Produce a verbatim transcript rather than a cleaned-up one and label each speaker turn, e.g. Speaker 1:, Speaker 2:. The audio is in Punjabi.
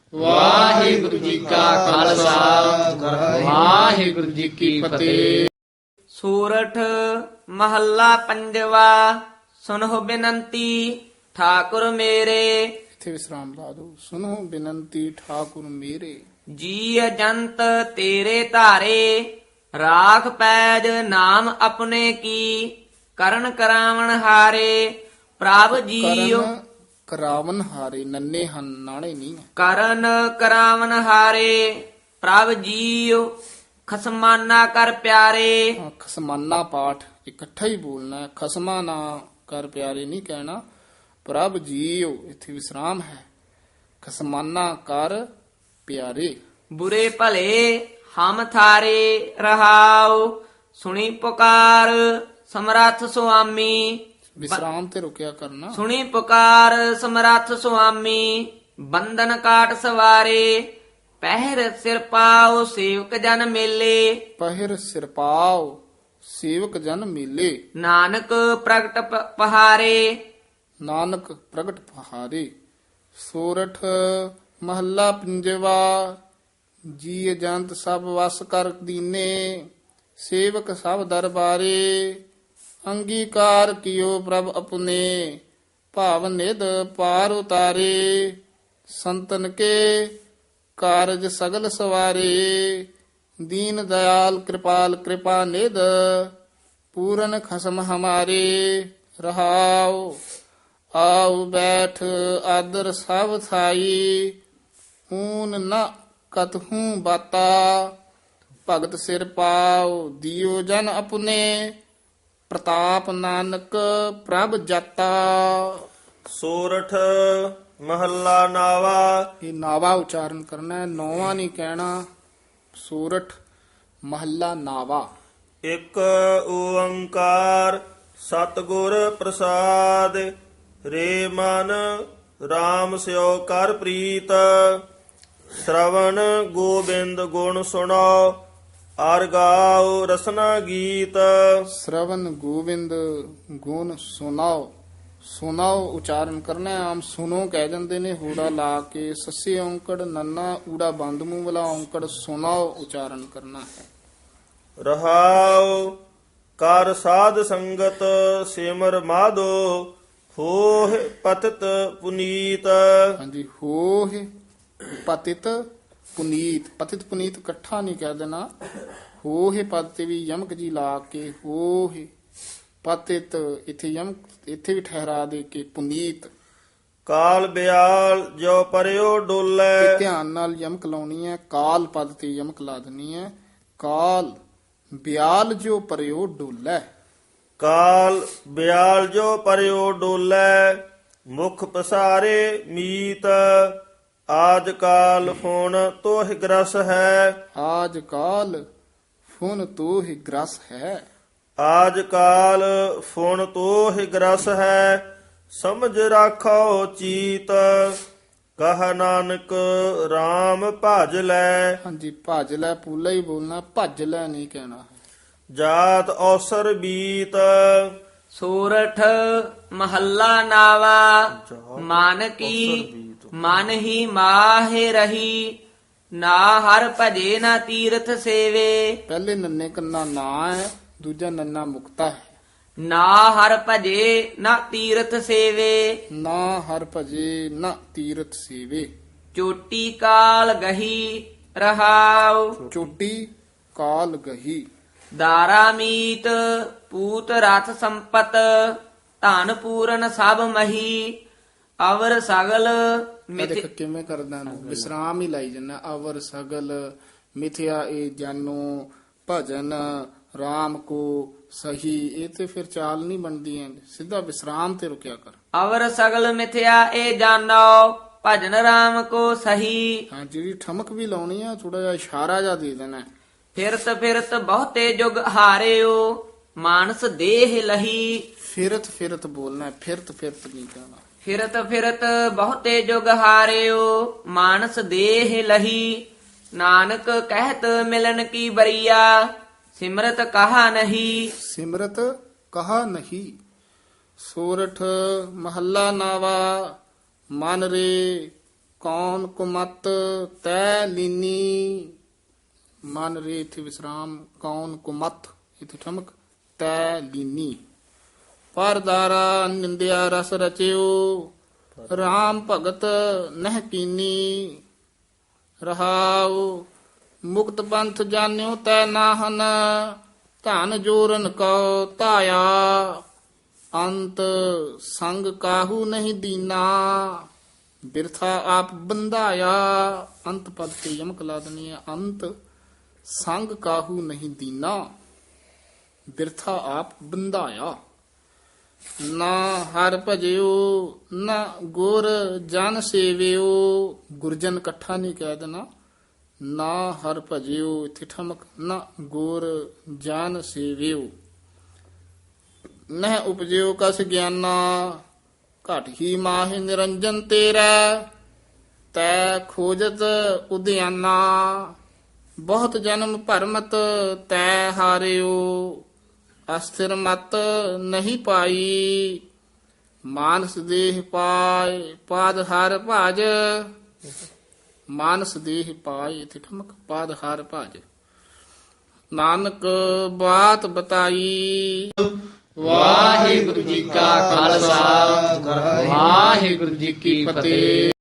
Speaker 1: ਵਾਹਿਗੁਰੂ ਜੀ ਕਾ ਖਾਲਸਾ ਵਾਹਿਗੁਰੂ ਜੀ ਕੀ ਫਤਿਹ।
Speaker 2: ਸੂਰਠ ਮਹੱਲਾ ਪੰਜਵਾ। ਸੁਨਹੁ ਬਿਨੰਤੀ ਠਾਕੁਰ ਮੇਰੇ।
Speaker 1: ਇੱਥੇ ਵਿਸਰਾਮ ਲਾ ਦੋ। ਸੁਨੋ ਬੇਨੰਤੀ ਠਾਕੁਰ ਮੇਰੇ।
Speaker 2: ਜੀ ਜੰਤ ਤੇਰੇ ਧਾਰੇ ਰਾਖ ਪੈਜ ਨਾਮ ਆਪਣੇ ਕੀ। ਕਰਨ ਕਰਾਵਣ ਹਾਰੇ ਪ੍ਰਭ ਜੀਉ।
Speaker 1: ਕਰਨ ਕਰਾਵਨ ਹਾਰੇ ਨੰਨੇ ਹਨ ਨਾਣੇ ਨਹੀਂ।
Speaker 2: ਕਰਨ ਕਰਾਵਨ ਹਾਰੇ ਪ੍ਰਭ ਜੀਉ। ਖਸਮਾਨਾ ਕਰ ਪਿਆਰੇ।
Speaker 1: ਹਾਂ, ਖਸਮਾਨਾ ਪਾਠ ਇਕੱਠਾ ਹੀ ਬੋਲਣਾ ਹੈ। ਖਸਮਾ ਨਾ ਕਰ ਪਿਆਰੇ ਨਹੀਂ ਕਹਿਣਾ। ਪ੍ਰਭ ਜੀਓ ਇੱਥੇ ਵਿਸਰਾਮ ਹੈ। ਖਸਮਾਨਾ ਕਰ ਪਿਆਰੇ।
Speaker 2: ਬੁਰੇ ਭਲੇ ਹਮ ਥਾਰੇ ਰਹਾਉ। ਸੁਣੀ ਪੁਕਾਰ ਸਮਰੱਥ ਸੁਆਮੀ।
Speaker 1: ਵਿਸਰਾਮ ਤੇ ਰੁਕਿਆ ਕਰਨਾ।
Speaker 2: ਸੁਣੀ ਪੁਕਾਰ ਸਮਰੱਥ ਸੁਆਮੀ। ਬੰਧਨ ਕਾਟ ਸਵਾਰੇ ਪਹਿਰ ਸਿਰ ਪਾਉ ਸੇਵਕ ਜਨ ਮੇਲੇ।
Speaker 1: ਪਹਿਰ ਸਿਰਪਾਉ ਸੇਵਕ ਜਨ ਮੇਲੇ।
Speaker 2: ਨਾਨਕ ਪ੍ਰਗਟ ਪ- ਪਹਾਰੇ
Speaker 1: ਨਾਨਕ ਪ੍ਰਗਟ ਪਹਾਰੇ। ਸੋਰਠ ਮਹੱਲਾ ਪੰਜਵਾ। ਜੀ ਜੰਤ ਸਭ ਵਸ ਕਰ ਦੀਨੇ ਸੇਵਕ ਸਭ ਦਰਬਾਰੇ। ਅੰਗੀਕਾਰ ਕੀਓ ਪ੍ਰਭ ਆਪਣੇ ਭਾਵ ਨਿਧ ਪਾਰ ਉਤਾਰੇ। ਸੰਤਨ ਕੇ ਕਾਰਜ ਸਗਲ ਸਵਾਰੇ। ਦੀਨ ਦਇਆਲ ਕਿਰਪਾਲ ਕਿਰਪਾ ਨਿਧ ਪੂਰਨ ਖਸਮ ਹਮਾਰੇ। ਰਹਾਉ ਆਉ ਬੈਠ ਆਦਰ ਸਭ ਥਾਈ। ਊਨ ਨ ਕਤਹੂ ਬਾਤਾ ਭਗਤ ਸਿਰ ਪਾਉ ਦਿਓ ਜਨ ਆਪਣੇ। ਪ੍ਰਤਾਪ ਨਾਨਕ ਪ੍ਰਭ ਜਾਤਾ।
Speaker 3: ਸੋਰਠ ਮਹੱਲਾ ਨਾਵਾ।
Speaker 1: ਇਹ ਨਾਵਾ ਉਚਾਰਨ ਕਰਨਾ ਹੈ, ਨੌਵਾਂ ਨਹੀਂ ਕਹਿਣਾ। ਸੂਰਠ ਮਹੱਲਾ ਨਾਵਾ।
Speaker 3: ਇੱਕ ਓੰਕਾਰ ਸਤਿਗੁਰ ਪ੍ਰਸਾਦ। ਰੇ ਮਨ RAM ਸਿਓ ਕਰ ਪ੍ਰੀਤ। ਸ਼ਰਵਣ ਗੋਬਿੰਦ ਗੁਣ ਸੁਣੋ ਅਰ ਗਾਓ ਰਸਨਾ ਗੀਤ।
Speaker 1: ਸ਼ਰਵਨ ਗੋਬਿੰਦ ਗੁਣ ਸੁਨਾਓ। ਸੁਨਾਓ ਉਚਾਰਨ ਕਰਨਾ ਹੈ। ਆਮ ਸੁਨੋ ਕਹਿ ਜਾਂਦੇ ਨੇ ਹੂੜਾ ਲਾ ਕੇ। ਸੱਸੇ ਔਂਕੜ ਨੰਨਾ ਊੜਾ ਬੰਦ ਮੂੰਹ ਵਾਲਾ ਔਂਕੜ ਸੁਨਾਓ ਉਚਾਰਨ ਕਰਨਾ ਹੈ।
Speaker 3: ਰਹਾਉ ਕਰ ਸਾਧ ਸੰਗਤ ਸਿਮਰ ਮਾਧੋ ਹੋਹ ਪਤਿਤ ਪੁਨੀਤ।
Speaker 1: ਹਾਂਜੀ ਹੋਹ ਪਤਿਤ ਪੁਨੀਤ। ਪਤਿਤ ਪੁਨੀਤ ਇਕੱਠਾ ਨਹੀਂ ਕਹਿ ਦੇਣਾ। ਹੋਹ ਪਦ ਤੇ ਵੀ ਯਮਕ ਜੀ ਲਾ ਕੇ ਹੋਹ ਪਤਿਤ ਇੱਥੇ ਯਮਕ ਇੱਥੇ ਵੀ ਠਹਿਰਾ ਦੇ ਕੇ ਪੁਨੀਤ।
Speaker 3: ਕਾਲ ਬਿਆਲ ਜੋ ਪਰਿਓ
Speaker 1: ਇਹ
Speaker 3: ਡੋਲੇ।
Speaker 1: ਧਿਆਨ ਨਾਲ ਯਮਕ ਲਾਉਣੀ ਹੈ। ਕਾਲ ਪਦ ਤੇ ਯਮਕ ਲਾ ਦੇਣੀ ਹੈ। ਕਾਲ ਬਿਆਲ ਜੋ ਪਰਿਓ ਡੋਲੇ।
Speaker 3: ਕਾਲ ਬਿਆਲ ਜੋ ਪਰਿਓ ਡੋਲੇ ਮੁਖ ਪਸਾਰੇ ਮੀਤ। ਆਜ ਕਾਲ ਹੁਣ ਤੋਹ ਗ੍ਰਸ ਹੈ।
Speaker 1: ਆਜ ਕਾਲ ਫੁਨ ਤੋ ਹੀ ਗ੍ਰਸ ਹੈ।
Speaker 3: ਆਜ ਕਾਲ ਫੁਣ ਤੋਹ ਗ੍ਰਸ ਹੈ। ਸਮਝ ਰਾਖੋ ਚੀਤ। ਕਹ ਨਾਨਕ RAM ਭਜ ਲੈ।
Speaker 1: ਹਾਂਜੀ ਭਜ ਲੈ ਪੂਲਾ ਹੀ ਬੋਲਣਾ, ਭੱਜ ਲੈ ਨਹੀਂ ਕਹਿਣਾ।
Speaker 3: ਜਾਤ ਔਸਰ ਬੀਤ।
Speaker 2: ਸੂਰਠ ਮਹੱਲਾ ਨਾਵਾ। ਮਨ ਕੀ ਮਨ ਹੀ ਮਾਹਿ ਰਹੀ। ਨਾ ਹਰ ਭਜੇ ਨਾ ਤੀਰਥ ਸੇਵੇ।
Speaker 1: ਪਹਿਲੇ ਨੰਨੇ ਕੰਨਾ ਨਾ ਹੈ, ਦੂਜਾ ਨੰਨਾ ਮੁਕਤਾ ਹੈ।
Speaker 2: ਨਾ ਹਰ ਭਜੇ ਨਾ ਤੀਰਥ ਸੇਵੇ।
Speaker 1: ਨਾ ਹਰ ਭਜੇ ਨਾ ਤੀਰਥ ਸੇਵੇ।
Speaker 2: ਚੋਟੀ ਕਾਲ ਗਹੀ ਰਹਾਉ।
Speaker 1: ਚੋਟੀ ਕਾਲ ਗਹੀ।
Speaker 2: ਦਾਰਾ ਮੀਤ ਪੂਤ ਰਥ ਸੰਪਤ। ਧਨ ਪੂਰਨ ਸਭ ਮਹੀ। ਅਵਰ ਸਗਲ
Speaker 1: ਇਹ
Speaker 2: ਮਿਥ
Speaker 1: ਦੇਖ ਕਿਵੇਂ ਕਰਦਾ ਨੂੰ ਵਿਸਰਾਮ ਹੀ ਲਾਈ ਜੰਨਾ। ਅਵਰ ਸਗਲ ਮਿਥਿਆ ਇਹ ਜਾਨੋ ਭਜਨ RAM ਕੋ ਸਹੀ। ਇਹ ਤੇ ਫਿਰ ਚਾਲ ਨਹੀਂ ਬਣਦੀ ਹੈ। ਸਿੱਧਾ ਵਿਸਰਾਮ ਤੇ ਰੁਕਿਆ ਕਰ।
Speaker 2: ਅਵਰ ਸਗਲ ਮਿਥਿਆ ਇਹ ਜਾਣੋ ਭਜਨ ਰਾਮ ਕੋ ਸਹੀ।
Speaker 1: ਹਾਂ ਜਿਹੜੀ ਠਮਕ ਵੀ ਲਾਉਣੀ ਆ ਥੋੜਾ ਜਿਹਾ ਇਸ਼ਾਰਾ ਜਿਹਾ ਦੇ ਦੇਣਾ।
Speaker 2: ਫਿਰਤ ਫਿਰਤ ਬਹੁਤੇ ਜੁਗ ਹਾਰਿਓ ਮਾਨਸ ਦੇਹ ਲਹੀ।
Speaker 1: ਫਿਰਤ ਫਿਰਤ ਬੋਲਣਾ ਹੈ, ਫਿਰਤ ਫਿਰਤ ਨਹੀਂ ਕਹਿਣਾ।
Speaker 2: ਫਿਰਤ ਫਿਰਤ ਬਹੁਤੇ ਜੁਗ ਹਾਰਿਓ ਮਾਨਸ ਦੇਹ ਲਹੀ। ਨਾਨਕ ਕਹਿਤ ਮਿਲਨ ਕੀ ਬਰੀਆ ਸਿਮਰਤ ਕਹਾ ਨਹੀਂ।
Speaker 1: ਸਿਮਰਤ ਕਹਾ ਨਹੀਂ। ਸੋਰਠ ਮਹੱਲਾ ਨਾਵਾ। ਮਨ ਰੇ ਕੌਣ ਕੁਮਤ ਤੈ ਲੀਨੀ। ਮਨ ਰੇ ਇਥੇ ਵਿਸਰਾਮ, ਕੌਣ ਕੁਮਤ ਇਥੇ ਠਮਕ, ਤੈ ਲੀਨੀ। ਪਰਦਾਰਾ ਨਿੰਦਿਆ ਰਸ ਰਚਿਓ, RAM ਭਗਤ ਨਹਿ ਕੀਨੀ। ਰਹਾਉ ਮੁਕਤ ਪੰਥ ਜਾਣਿਓ ਤੈ ਨਾਹਨ, ਧਨ ਜੋਰਨ ਕਉ ਧਾਇਆ। ਅੰਤ ਸੰਗ ਕਾਹੂ ਨਹੀਂ ਦੀਨਾ, ਬਿਰਥਾ ਆਪ ਬੰਧਾਇਆ। ਅੰਤ ਪਦ ਤੇ ਯਮਕ ਲਾ ਦੇਣੀ ਹੈ। ਅੰਤ ਸੰਗ ਕਾਹੂ ਨਹੀਂ ਦੀਨਾ, ਬਿਰਥਾ ਆਪ ਬੰਧਾਇਆ। ਨਾ ਹਰ ਭਜਿਓ ਨਾ ਗੁਰ ਜਨ ਸੇਵਿਓ। ਗੁਰਜਨ ਇਕੱਠਾ ਨਹੀਂ ਕਹਿ ਦੇਣਾ। ਨਾ ਹਰ ਭਜਿਓ ਇੱਥੇ ਠਮਕ, ਨਾ ਗੁਰ ਜਨ ਸੇਵਿਓ। ਨਹਿ ਉਪਜਿਓ ਕਸ ਗਿਆਨਾ, ਘਟ ਹੀ ਮਾਹਿ ਨਿਰੰਜਨ ਤੇਰਾ। ਤੈ ਖੋਜਤ ਉਦਿਆਨਾ, ਬਹੁਤ ਜਨਮ ਭਰਮਤ ਤੈ ਹਾਰਿਓ। ਅਸਥਿਰ ਮਤ ਨਹੀਂ ਪਾਈ, ਮਾਨਸ ਦੇਹ ਪਾਏ ਪਾਦ ਹਰ ਭਜ। ਮਾਨਸ ਦੇਹ ਪਾਏ ਇਥੇ ਠਮਕ, ਪਾਦ ਹਰ ਭਜ। ਨਾਨਕ ਬਾਤ ਬਤਾਈ। ਵਾਹਿਗੁਰੂ ਜੀ ਕਾ ਖਾਲਸਾ, ਵਾਹਿਗੁਰੂ ਜੀ ਕੀ ਫਤਿਹ।